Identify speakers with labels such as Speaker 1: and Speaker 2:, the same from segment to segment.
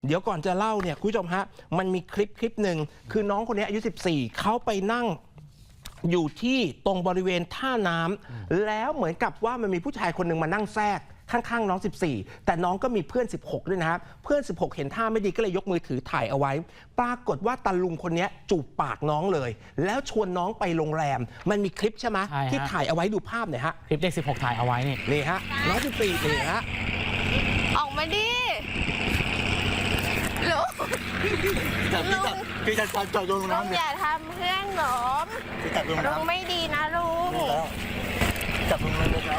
Speaker 1: เดี๋ยวก่อนจะเล่าเนี่ยคุณผู้ชมฮะมันมีคลิปหนึ่งคือน้องคนนี้อายุ14เขาไปนั่งอยู่ที่ตรงบริเวณท่าน้ำแล้วเหมือนกับว่ามันมีผู้ชายคนหนึ่งมานั่งแทรกข้างๆน้อง14แต่น้องก็มีเพื่อน16ด้วยนะครับเพื่อน16เห็นท่าไม่ดีก็เลยยกมือถือถ่ายเอาไว้ปรากฏว่าตาลุงคนนี้จูบปากน้องเลยแล้วชวนน้องไปโรงแรมมันมีคลิปใช่ไหมที่ถ่ายเอาไว้ดูภาพหน่อยฮะ
Speaker 2: คลิปเด็ก16ถ่ายเอาไว้
Speaker 1: นี่ฮะน้อง14นี่ฮะ
Speaker 3: ออกมาดิลุง
Speaker 4: พี่จะจับลงน้ำเลย
Speaker 3: อย่าทำเพื่อนหนอม
Speaker 4: พี่จับลง
Speaker 3: ลุง
Speaker 4: น้ำ
Speaker 3: ไม่ดีนะลุง
Speaker 4: จับลงน้ำเลย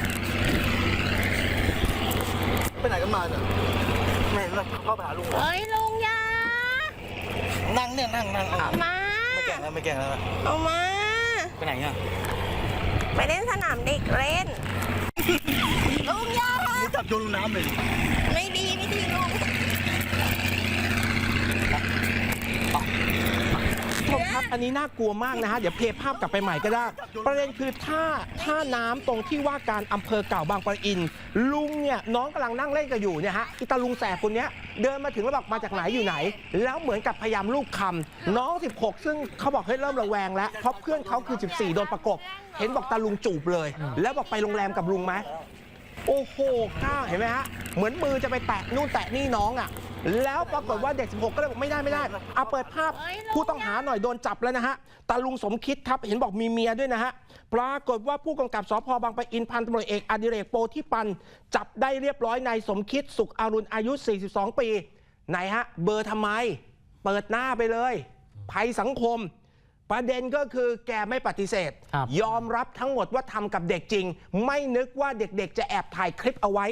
Speaker 4: ไปไหนกันมาเนี่ยไม่เข้าไปหาลุง
Speaker 3: เอ้ยลุงอย่า
Speaker 4: นั่งเนี่ยนั่ง
Speaker 3: เอามา
Speaker 4: ไม่แก่แล้วไม่แก่แล้ว
Speaker 3: เอามา
Speaker 4: ไปไหนเนี่ย
Speaker 3: ไปเล่นสนามเด็กเล่นลุงอย่า
Speaker 4: พี่จับโยนลงน้ำเลย
Speaker 3: ไม่ดีลุง
Speaker 1: ครับอันนี้น่ากลัวมากนะฮะเดี๋ยวเพลย์ภาพกลับไปใหม่ก็ได้ประเด็นคือท่าน้ำตรงที่ว่าการอำเภอเก่าบางปะอินลุงเนี่ยน้องกำลังนั่งเล่นกันอยู่เนี่ยฮะอีตาลุงแสบคนนี้เดินมาถึงแล้วบอกมาจากไหนอยู่ไหนแล้วเหมือนกับพยายามลูบคำน้อง16ซึ่งเขาบอกให้เริ่มระแวงแล้วเพราะเพื่อนเขาคือ14โดนประกบเห็นบอกตาลุงจูบเลยแล้วบอกไปโรงแรมกับลุงไหมโอ้โหก้าเห็นไหมฮะเหมือนมือจะไปแตะนู่นแตะนี่น้องอ่ะแล้วปรากฏว่าเด็ก16ก็เลยบอกไม่ได้เอาเปิดภาพผู้ต้องหาหน่อยโดนจับแล้วนะฮะตาลุงสมคิดครับเห็นบอกมีเมียด้วยนะฮะปรากฏว่าผู้กำกับสภ.บางปะอินพันตำรวจเอกอดิเรกโปธิปันจับได้เรียบร้อยนายสมคิดสุขอรุณอายุ42ปีไหนฮะเบอร์ทำไมเปิดหน้าไปเลยภัยสังคมประเด็นก็คือแกไม่ปฏิเสธยอมรับทั้งหมดว่าทำกับเด็กจริงไม่นึกว่าเด็กๆจะแอบถ่ายคลิปเอาไว้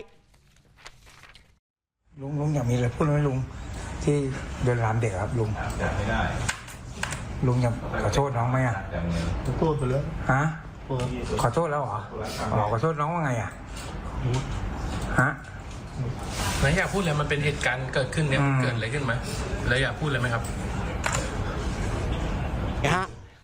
Speaker 4: ลุงอยากมีอะไรพูดไหมลุงที่เดินรามเด็กครับลุงไม่ได้ลุงอยากขอโทษน้องไหมอ่ะขอโทษไปแล้วฮะขอโทษแล้วเหรอขอโทษน้องว่าไงอ่ะฮะ
Speaker 5: ไหนอยากพูดเลยมันเป็นเหตุการณ์เกิดขึ้นเนี่ยเกิดอะไรขึ้นไหมแล้วอยากพูดเลยไหมครับ
Speaker 1: นะฮะ